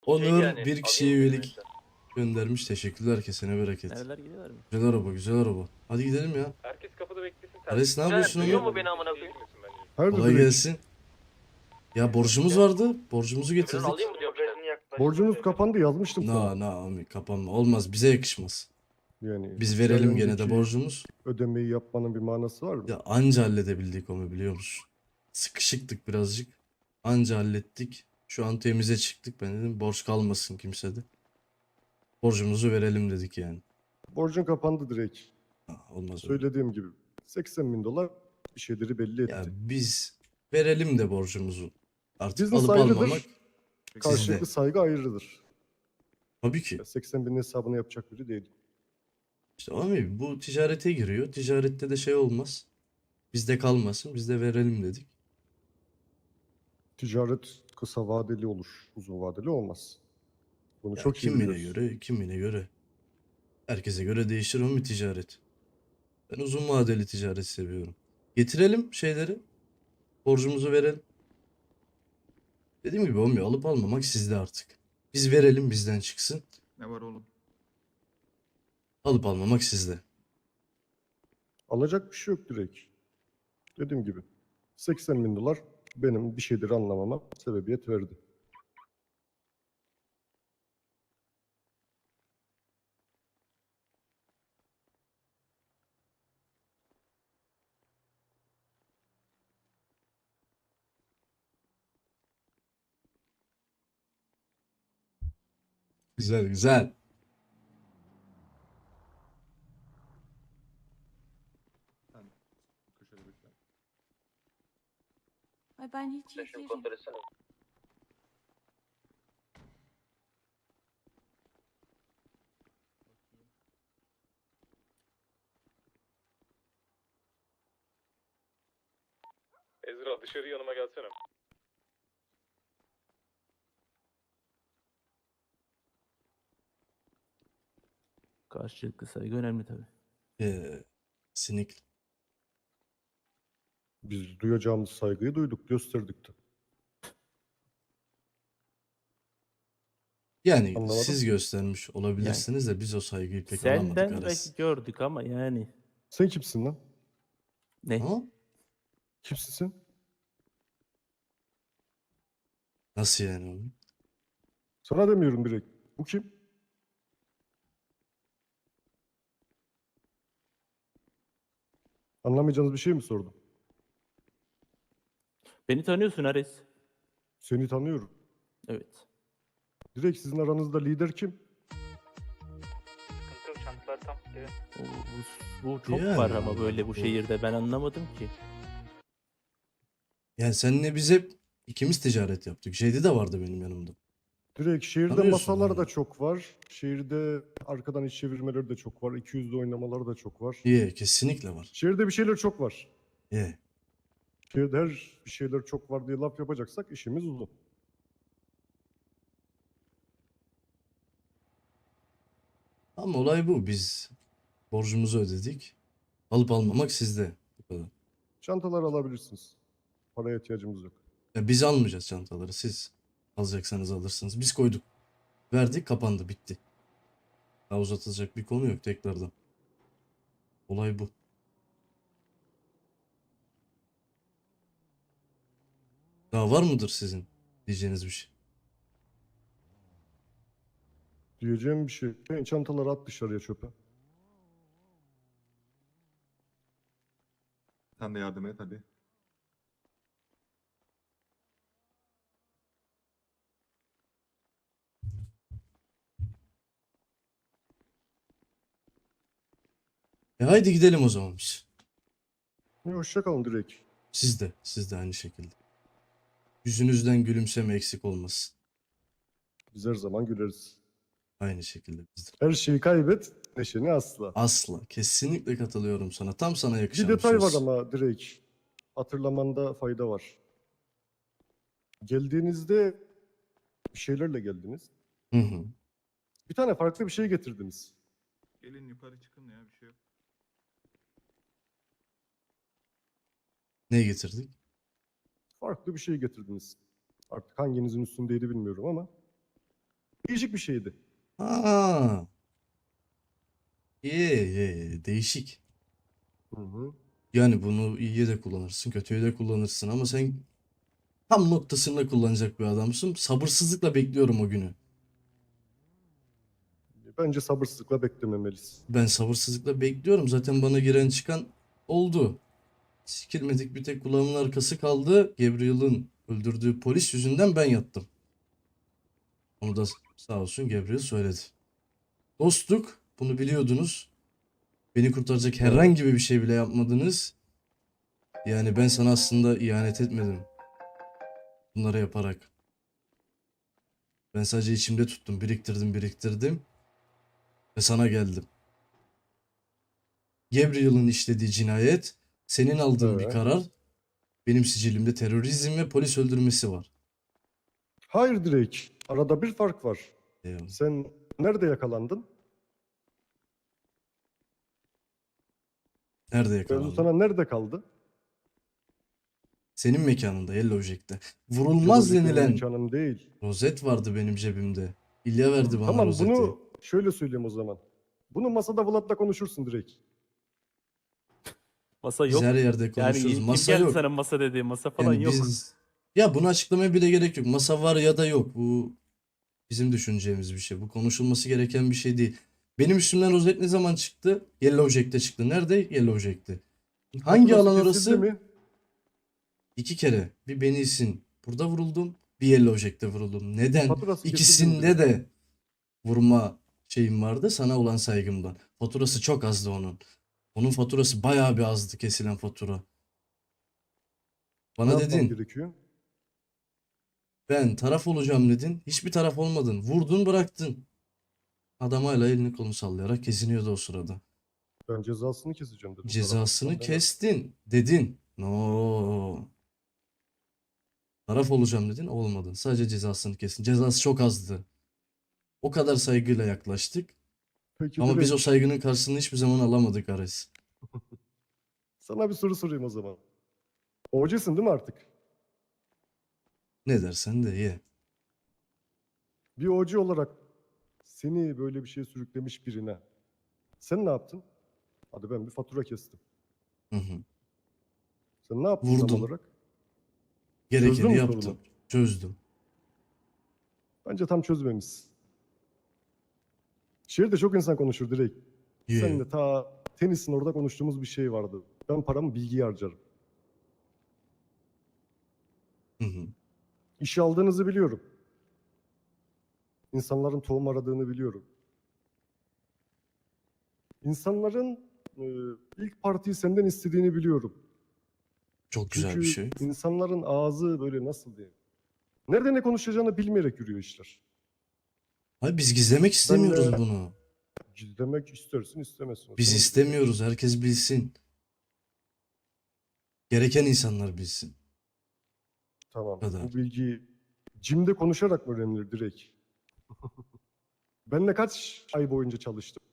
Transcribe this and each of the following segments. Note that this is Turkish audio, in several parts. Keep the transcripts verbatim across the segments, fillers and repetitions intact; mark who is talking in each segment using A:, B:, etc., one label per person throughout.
A: Onur
B: yani,
A: bir kişiye
B: alayım
A: üyelik
B: dedim
A: göndermiş. Teşekkürler, kesene bereket.
C: Nereler gidiyorlar mı?
A: Güzel araba, güzel araba. Hadi gidelim ya.
D: Herkes kapıda beklesin.
A: Ares ne
B: Sen
A: yapıyorsun
B: duyuyor
A: Onur?
B: mu beni amına koyayım?
E: Hayırdır
A: Kolay
E: direkt?
A: gelsin. Ya borcumuz vardı. Borcumuzu
B: Emirhan
A: getirdik.
B: alayım mı diyorum sen?
E: Borcunuz kapandı yazmıştım
A: Na
E: sana.
A: na ami kapanma. Olmaz, bize yakışmaz.
E: Yani
A: Biz
E: iki ay
A: verelim gene de
E: önceki
A: borcumuz.
E: ödemeyi yapmanın bir manası var mı?
A: Ya anca halledebildik onu, biliyor musun? Sıkışıktık birazcık. Anca hallettik. Şu an temize çıktık. Ben dedim borç kalmasın kimsede. Borcumuzu verelim dedik yani.
E: Borcun kapandı direkt.
A: Ha, olmaz öyle.
E: Söylediğim gibi seksen bin dolar bir şeyleri belli
A: Ya
E: etti.
A: biz verelim de borcumuzu. Artık
E: Business
A: alıp almamak
E: ayrıdır,
A: sizde.
E: karşılıklı saygı ayrıdır.
A: Tabii ki.
E: seksen binin hesabını yapacak biri değil.
A: İşte abi bu ticarete giriyor. Ticarette de şey olmaz. Bizde kalmasın. Biz de verelim dedik.
E: Ticaret kısa vadeli olur, uzun vadeli olmaz. Bunu
A: Ya
E: çok iyi
A: kimine
E: biliyoruz.
A: göre, kimine göre. Herkese göre değişir o bir ticaret. Ben uzun vadeli ticaret seviyorum. Getirelim şeyleri. Borcumuzu verelim. Dediğim gibi olmuyor. Alıp almamak sizde artık. Biz verelim, bizden çıksın.
F: Ne var oğlum?
A: Alıp almamak sizde.
E: Alacak bir şey yok direkt. Dediğim gibi seksen bin dolar benim bir şeyleri anlamama sebebiyet verdi.
A: Güzel güzel.
F: Köşede bekle.
G: Ay ben hiç iyi
B: Şimdi
G: değilim.
B: kontrol etsene.
D: Ezra dışarı yanıma gelsene.
C: Karşılıklı saygı önemli tabii.
A: Ee, sinik.
E: Biz duyacağımız saygıyı duyduk, gösterdik de.
A: Yani
E: Anlamadım.
A: siz göstermiş olabilirsiniz de biz o saygıyı pek alamadık
C: Senden
A: Ares.
C: belki gördük ama yani.
E: Sen kimsin lan?
C: Ne?
A: Ama
E: Kimsin sen?
A: nasıl yani oğlum?
E: Sana demiyorum direkt. Bu kim? Anlamayacağınız bir şey mi sordum?
C: Beni tanıyorsun Ares.
E: Seni tanıyorum.
C: Evet.
E: Direkt sizin aranızda lider kim?
B: Sıkıntı yok, çantalar tam. Evet.
C: O, bu, bu çok
A: Yani
C: var ama böyle bu
A: bu-
C: şehirde ben anlamadım ki.
A: Yani seninle biz hep ikimiz ticaret yaptık. Şeydi de vardı benim yanımda.
E: Direkt şehirde
A: Tanıyorsun
E: masalar da
A: yani.
E: çok var. Şehirde arkadan iş çevirmeleri de çok var. iki yüzlü oynamalar da çok var.
A: İyi, kesinlikle var.
E: Şehirde bir şeyler çok var.
A: İyi.
E: Şehirde her bir şeyler çok var diye laf yapacaksak işimiz uzun.
A: Ama olay bu. Biz borcumuzu ödedik. Alıp almamak sizde. Bu kadar.
E: Çantalar alabilirsiniz. Paraya ihtiyacımız yok.
A: Ya biz almayacağız çantaları. Siz alacaksanız alırsınız. Biz koyduk. Verdik, kapandı, bitti. Daha uzatılacak bir konu yok tekrardan. Olay bu. Daha var mıdır sizin diyeceğiniz bir şey?
E: Diyeceğim bir şey. Çantaları at dışarıya çöpe.
F: Sen de yardım et hadi.
A: E haydi gidelim o zaman biz.
E: İyi, hoşça kalın direkt.
A: Siz de, siz de aynı şekilde. Yüzünüzden gülümseme eksik olmasın.
E: Biz her zaman güleriz.
A: Aynı şekilde biz de.
E: Her şeyi kaybet, neşeni asla.
A: Asla, kesinlikle katılıyorum sana. Tam sana
E: Bir
A: yakışan bir
E: detay var
A: söz.
E: ama direkt. Hatırlamanda fayda var. Geldiğinizde bir şeylerle geldiniz.
A: Hı hı.
E: Bir tane farklı bir şey getirdiniz.
F: Gelin yukarı çıkın ya, bir şey yok.
A: Ne getirdik?
E: Farklı bir şey getirdiniz. Artık hanginizin üstündeydi bilmiyorum ama. değişik bir şeydi.
A: Ha. İyi, iyi, değişik.
E: Hı hı.
A: Yani bunu iyiye de kullanırsın, kötüye de kullanırsın ama sen tam noktasında kullanacak bir adamsın. Sabırsızlıkla bekliyorum o günü.
E: Bence sabırsızlıkla beklememeliyiz.
A: Ben sabırsızlıkla bekliyorum. Zaten bana giren çıkan oldu. Sikilmedik bir tek kulağımın arkası kaldı. Gabriel'ın öldürdüğü polis yüzünden ben yattım. Onu da sağ olsun Gabriel söyledi. Dostluk, bunu biliyordunuz. Beni kurtaracak herhangi bir şey bile yapmadınız. Yani ben sana aslında ihanet etmedim. Bunları yaparak. Ben sadece içimde tuttum, biriktirdim, biriktirdim ve sana geldim. Gabriel'ın işlediği cinayet, senin aldığın bir
E: Evet.
A: karar, benim sicilimde terörizm ve polis öldürmesi var.
E: Hayır Drake. Arada bir fark var.
A: Eyvallah.
E: Sen nerede yakalandın?
A: Nerede
E: Mevzu
A: yakalandın?
E: sana nerede kaldı?
A: Senin mekanında, Yellow Jack'te. Vurulmaz
E: Yellow Jack'in
A: denilen
E: mekanım değil.
A: rozet vardı benim cebimde. İlya verdi bana
E: Tamam
A: rozeti.
E: bunu şöyle söyleyeyim o zaman. Bunu masada Vlad'la konuşursun Drake.
C: Masa
A: Biz
C: yok.
A: her yerde
C: Yani
A: konuşuruz.
C: kim
A: Masa
C: geldi
A: yok.
C: sana masa dedi. Masa falan
A: Yani
C: yok.
A: biz... Ya bunu açıklamaya bile gerek yok. Masa var ya da yok. Bu bizim düşüneceğimiz bir şey. Bu konuşulması gereken bir şey değil. Benim üstümden rozet ne zaman çıktı? Yellow Jack'te çıktı. Nerede? Yellow Jack'te. Hangi
E: Faturası
A: alan
E: kesildi
A: orası?
E: mi?
A: İki kere. Bir Benisin burada vuruldum. Bir Yellow Jack'te vuruldum. Neden?
E: Faturası kesildi mi
A: İkisinde
E: Drake?
A: de vurma şeyim vardı. Sana olan saygımdan. Faturası çok azdı onun. Onun faturası bayağı bir azdı kesilen fatura.
E: Ne
A: Bana
E: yapmam
A: dedin
E: gerekiyor?
A: ben taraf olacağım dedin. Hiçbir taraf olmadın. Vurdun bıraktın. Adam hala elini kolunu sallayarak kesiniyordu o sırada.
E: Ben cezasını keseceğim dedim.
A: Cezasını
E: Taraf olsam
A: kestin dedin. No. Taraf olacağım dedin. Olmadın. Sadece cezasını kestin. Cezası çok azdı. O kadar saygıyla yaklaştık.
E: ben- Peki
A: Ama biz o
E: Drake,
A: saygının karşılığını hiçbir zaman alamadık Ares.
E: sana bir soru sorayım o zaman. Ovacısın değil mi artık?
A: Ne dersen de ye.
E: Bir ovacı olarak seni böyle bir şeye sürüklemiş birine sen ne yaptın? Hadi ben bir fatura kestim.
A: Hı hı.
E: Sen ne yaptın tam
A: Vurdum.
E: olarak?
A: Gerekeni
E: Çözdün mü
A: yaptım.
E: sorunu?
A: Çözdüm.
E: Bence tam çözmemişsin. Şehirde çok insan konuşur direkt.
A: Ye.
E: Seninle ta tenisin orada konuştuğumuz bir şey vardı. Ben paramı bilgiye harcarım.
A: Hı hı.
E: İşe aldığınızı biliyorum. İnsanların tohum aradığını biliyorum. İnsanların e, ilk partiyi senden istediğini biliyorum.
A: Çok güzel
E: Çünkü
A: bir şey.
E: insanların ağzı böyle nasıl diyeyim? Nerede ne konuşacağını bilmeyerek yürüyor işler.
A: Hayır biz gizlemek istemiyoruz
E: de-
A: bunu.
E: Gizlemek istersin istemezsin.
A: Biz
E: Senin
A: istemiyoruz. Herkes bilsin. Gereken insanlar bilsin.
E: Tamam.
A: kadar.
E: Bu bilgiyi Cim'de konuşarak mı öğrenilir direkt? Benle kaç ay boyunca çalıştım?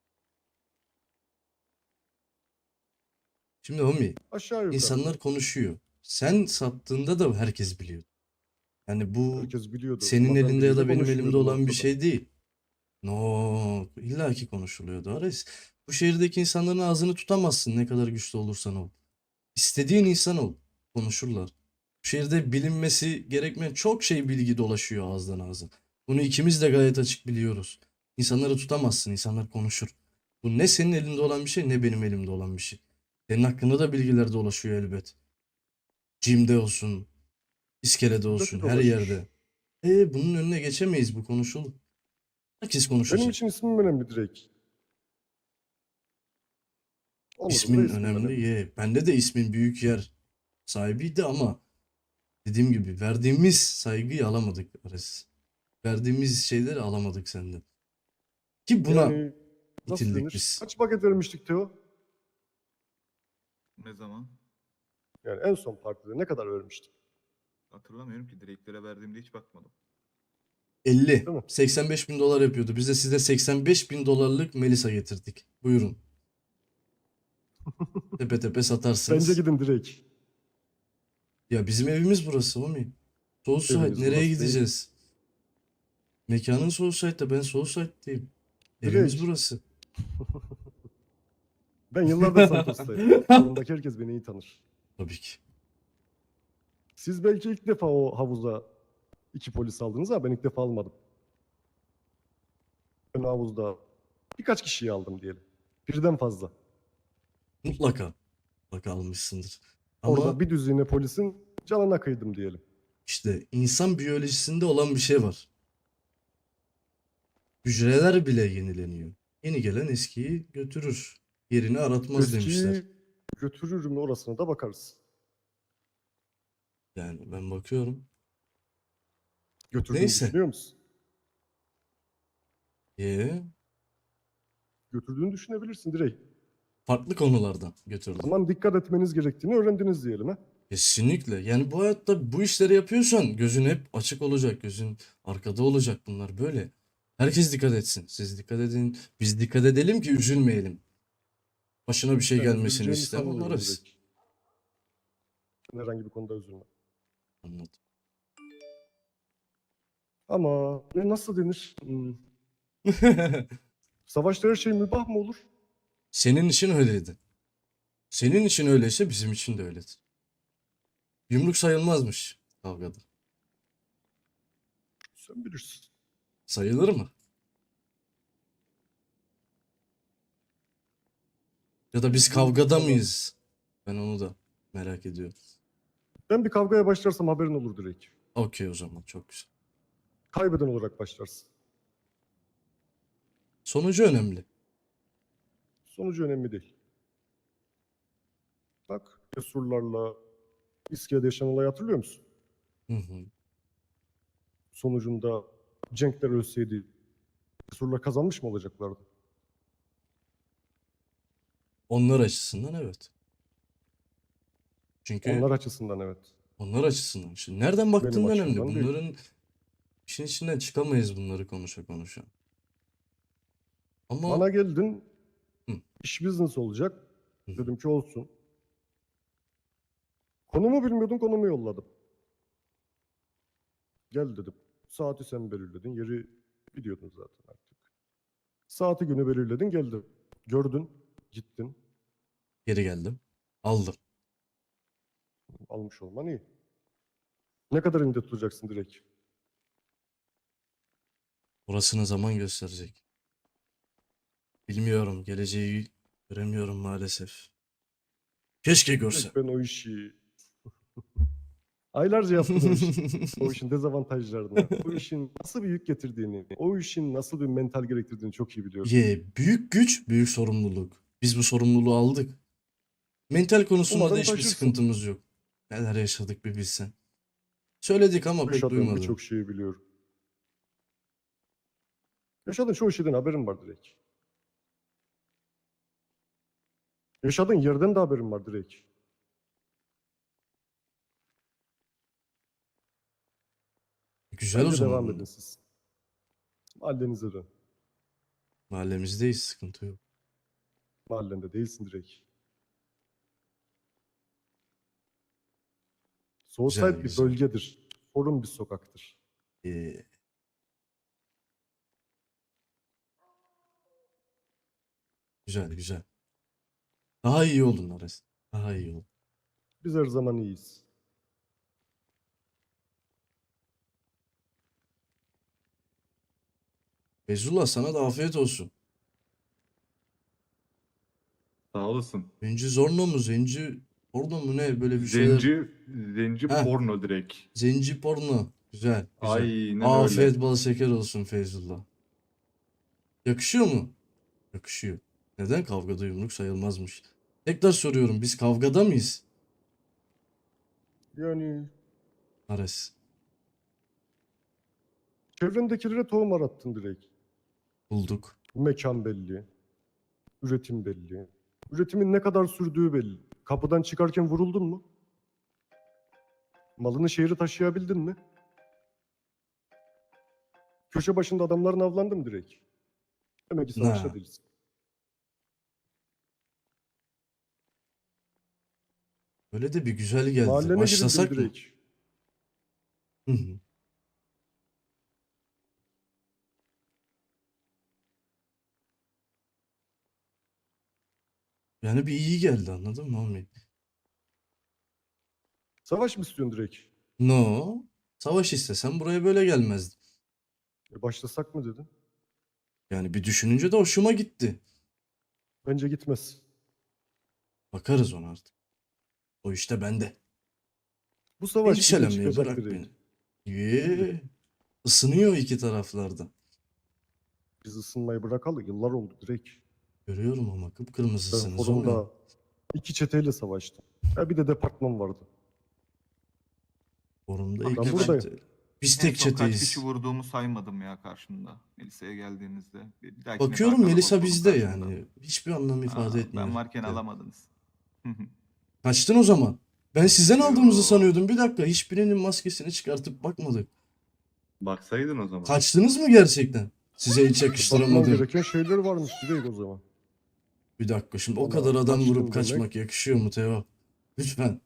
A: Şimdi homie,
E: Aşağı yukarı.
A: insanlar konuşuyor. Sen sattığında da herkes biliyor. Yani bu
E: Herkes biliyordu.
A: senin
E: Ama ben
A: elinde ya da
E: biriyle
A: benim elimde
E: konuşmuyordum
A: olan bir
E: ortada.
A: şey değil. No, illaki konuşuluyordu Ares. Bu şehirdeki insanların ağzını tutamazsın ne kadar güçlü olursan ol. İstediğin insan ol. Konuşurlar. Bu şehirde bilinmesi gerekmeyen çok şey bilgi dolaşıyor ağızdan ağza. Bunu ikimiz de gayet açık biliyoruz. İnsanları tutamazsın. İnsanlar konuşur. Bu ne senin elinde olan bir şey ne benim elimde olan bir şey. Senin hakkında da bilgiler dolaşıyor elbet. Jim'de olsun, iskelede olsun, her
E: dolaşır.
A: yerde. E bunun önüne geçemeyiz, bu konuşulur. Herkes konuşacak.
E: Benim için ismim önemli direkt. Onur'un da
A: İsmin
E: ismim
A: önemli. Ye. Bende de ismin büyük yer sahibiydi ama dediğim gibi verdiğimiz saygıyı alamadık Ares. Verdiğimiz şeyleri alamadık senden. Ki buna
E: Yani nasıl
A: itildik
E: denir?
A: biz.
E: Kaç paket vermiştik Teo?
F: Ne zaman?
E: Yani en son partide ne kadar vermiştik?
F: Hatırlamıyorum ki direklere verdiğimde hiç bakmadım.
A: elli.
E: Değil mi?
A: seksen beş bin dolar yapıyordu. Biz de size seksen beş bin dolarlık Melisa getirdik. Buyurun. Tepe tepe satarsınız.
E: Bence gidin direkt.
A: Ya bizim evimiz burası homie. Soğuk su
E: Eviniz
A: nereye
E: burası değil.
A: gideceğiz? Mekanın Soulside'da, ben Soulside'deyim. Evimiz
E: Direkt.
A: burası.
E: Ben yıllardır Santos'tayım. Salondaki herkes beni iyi tanır.
A: Tabii ki.
E: Siz belki ilk defa o havuza iki polis aldınız ama ben ilk defa almadım. Ben havuzda birkaç kişiyi aldım diyelim. Birden fazla.
A: Mutlaka. Mutlaka almışsındır. Ama
E: Orada bir düzine polisin canına kıydım diyelim.
A: işte insan biyolojisinde olan bir şey var. Hücreler bile yenileniyor. Yeni gelen eskiyi götürür. Yerini aratmaz demişler.
E: Eskiyi götürür mü orasına da bakarız.
A: Yani ben bakıyorum.
E: Götürdüğünü
A: Neyse.
E: düşünüyor musun?
A: Ee,
E: Götürdüğünü düşünebilirsin direkt.
A: farklı konulardan
E: O
A: götürdüm.
E: zaman dikkat etmeniz gerektiğini öğrendiniz diyelim ha.
A: Kesinlikle. Yani bu hayatta bu işleri yapıyorsan gözün hep açık olacak. Gözün arkada olacak, bunlar böyle. Herkes dikkat etsin. Siz dikkat edin. Biz dikkat edelim ki üzülmeyelim. Başına bir şey
E: Ben
A: gelmesini
E: üzüleceğimi
A: istemem.
E: sanmıyorum
A: Onlarız.
E: direkt. Ben herhangi bir konuda üzülmem.
A: Anladım.
E: Ama ne nasıl denir? Hmm, Savaşta her şey mübah mı olur?
A: Senin için öyleydi. Senin için öyleyse bizim için de öyledir. Yumruk sayılmazmış kavgada.
E: Sen bilirsin.
A: Sayılır mı? Ya da biz
E: Bu
A: kavgada
E: tamam.
A: mıyız? Ben onu da merak ediyorum.
E: Ben bir kavgaya başlarsam haberin olur direkt.
A: Okey, o zaman çok güzel.
E: Kaybeden olarak başlarsın.
A: Sonucu önemli.
E: Sonucu önemli değil. Bak, Cesurlarla İske'de yaşanan olayı hatırlıyor musun?
A: Hı hı.
E: Sonucunda Cenkler ölseydi Cesurlar kazanmış mı olacaklardı?
A: Onlar açısından evet. Çünkü
E: Onlar açısından evet.
A: onlar açısından. Şimdi nereden baktığın önemli.
E: açımdan değil.
A: Bunların işin içinden çıkamayız, bunları konuşa konuşa. Ama
E: Bana geldin,
A: Hı.
E: iş business olacak.
A: Hı.
E: Dedim ki olsun. Konumu bilmiyordun, konumu yolladım. Gel dedim. Saati sen belirledin, yeri biliyordun zaten artık. Saati günü belirledin, geldim. Gördün, gittin.
A: geri geldim. Aldım.
E: Almış olman iyi. Ne kadar elinde tutacaksın direkt?
A: Orasını zaman gösterecek. Bilmiyorum. Geleceği göremiyorum maalesef. Keşke görsem.
E: Direkt ben o işi aylarca yaptım o işi. O işin dezavantajlarını, o işin nasıl bir yük getirdiğini, o işin nasıl bir mental gerektirdiğini çok iyi biliyorum.
A: Ye, büyük güç, büyük sorumluluk. Biz bu sorumluluğu aldık. Mental konusunda da
E: Umarım
A: hiçbir
E: taşırsın.
A: sıkıntımız yok. Neler yaşadık bir bilsen. Söyledik ama pek
E: Yaşadığım
A: duymadım.
E: birçok şeyi biliyorum. Yaşadığın çoğu şeyden haberin var direkt. Yaşadığın yerden de haberin var direkt.
A: Güzel o
E: Bence
A: zaman.
E: devam edin siz. Mahallenize dön.
A: Mahallemizdeyiz, sıkıntı yok.
E: Mahallende değilsin direkt. Soulside bir
A: güzel.
E: bölgedir. Forum bir sokaktır.
A: Ee, güzel güzel. Daha iyi oldun Ares. Daha iyi oldun.
E: Biz her zaman iyiyiz.
A: Feyzullah, sana da afiyet olsun.
F: Sağ olasın.
A: Zenci Zorno mu? Zenci Porno mu ne? Böyle bir şeyler.
F: Zenci, zenci
A: Heh.
F: porno direkt.
A: Zenci Porno. Güzel. Güzel.
F: Aynen
A: Afiyet
F: öyle.
A: bal şeker olsun Feyzullah. Yakışıyor mu? Yakışıyor. Neden? Kavgada yumruk sayılmazmış. Tekrar soruyorum. Biz kavgada mıyız?
E: Yani
A: Ares.
E: çevrendekilere tohum arattın direkt.
A: Bulduk.
E: Mekan belli. Üretim belli. Üretimin ne kadar sürdüğü belli. Kapıdan çıkarken vuruldun mu? Malını şehre taşıyabildin mi? Köşe başında adamların avlandı mı direkt? Demek ki savaşta
A: Na.
E: değilsin.
A: Öyle de bir güzel geldi.
E: Mahallene girildim
A: Başlasak mı?
E: direkt.
A: Hı hı. Yani bir iyi geldi, anladın mı Ahmet?
E: Savaş mı istiyorsun direkt?
A: No. Savaş istesem buraya böyle gelmezdim.
E: E başlasak mı dedin?
A: Yani bir düşününce de hoşuma gitti.
E: Bence gitmez.
A: Bakarız ona artık. O işte bende.
E: Bu savaş bir de
A: Endişelenmeyi
E: çıkacak
A: bırak
E: direkt.
A: beni. Yee. Isınıyor iki taraflarda.
E: Biz ısınmayı bırakalı yıllar oldu direkt.
A: Görüyorum ama
E: Ben
A: kıpkırmızısınız
E: forumda
A: oğlum.
E: iki çeteyle savaştım. Ya bir de departman vardı.
A: Forumda
G: Abi
A: iki
E: ben buradayım.
A: çete. Biz
G: En
A: tek
G: son kaç
A: çeteyiz.
G: kişi vurduğumu saymadım ya karşımda. Melisa'ya geldiğinizde. Bir bir dahakine
A: Bakıyorum
G: daha
A: Melisa
G: kalabalık olun
A: bizde
G: karşımda.
A: yani. Hiçbir anlam ifade
G: Aa,
A: etmiyor.
G: ben varken
A: Evet.
G: alamadınız.
A: Kaçtın o zaman. Ben sizden
G: Yo.
A: aldığımızı sanıyordum. Bir dakika, hiçbirinin maskesini çıkartıp bakmadık.
F: Baksaydın o zaman.
A: Kaçtınız mı gerçekten? Size hiç
E: Bakmam
A: yakıştıramadım.
E: gereken şeyler varmış direkt o zaman.
A: Bir dakika, şimdi o
E: Bana
A: kadar adam
E: kaçtın
A: vurup
E: demek.
A: kaçmak yakışıyor mu Teo? Lütfen.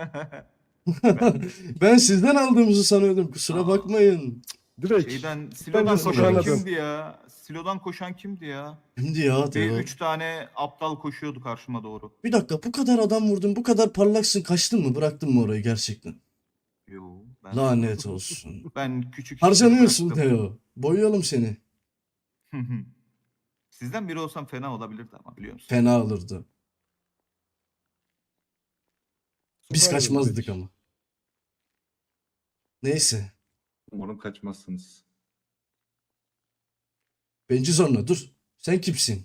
A: Ben sizden aldığımızı sanıyordum. Kusura
G: Aa.
A: bakmayın.
E: Direkt.
G: Şeyden, silodan
E: de
G: koşan
E: Sokağına
G: kimdi ya? Silodan koşan kimdi ya?
A: Şimdi ya
G: Bir
A: Teo.
G: üç tane aptal koşuyordu karşıma doğru.
A: Bir dakika, bu kadar adam vurdun, bu kadar parlaksın, kaçtın mı? Bıraktın mı orayı gerçekten?
G: Yo, ben,
A: Lanet olsun.
G: ben küçük işleri
A: Harcanıyorsun
G: bıraktım.
A: Teo. Boyayalım seni.
G: Sizden biri olsam fena olabilirdi ama biliyor musun?
A: Fena olurdu. Biz
E: Sokağına
A: kaçmazdık
E: direkt.
A: ama. Neyse.
F: Umarım kaçmazsınız.
A: Benci zorla dur. Sen kimsin?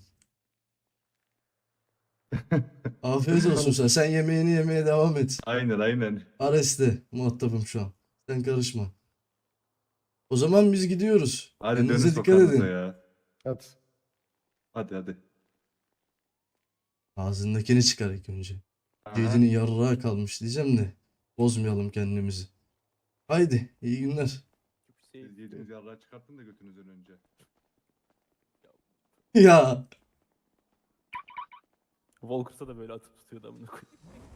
A: Afiyet olsun sen. Sen yemeğini yemeye devam et.
F: Aynen aynen.
A: Ares'te muhatabım şu an. Sen karışma. O zaman biz gidiyoruz.
F: Hadi dönün
A: Kendinize dikkat
F: sokağınıza
A: edin.
F: ya.
E: Hadi.
F: Hadi hadi.
A: Ağzındakini çıkar ilk önce.
F: Aha.
A: Cedinin yarrağı kalmış diyeceğim de. Bozmayalım kendimizi. Haydi iyi günler.
F: Siz yediğiniz yarrağı çıkarttın da götünüzden önce.
A: Ya.
C: Walkers'a da böyle atıp tutuyordu amına koyayım.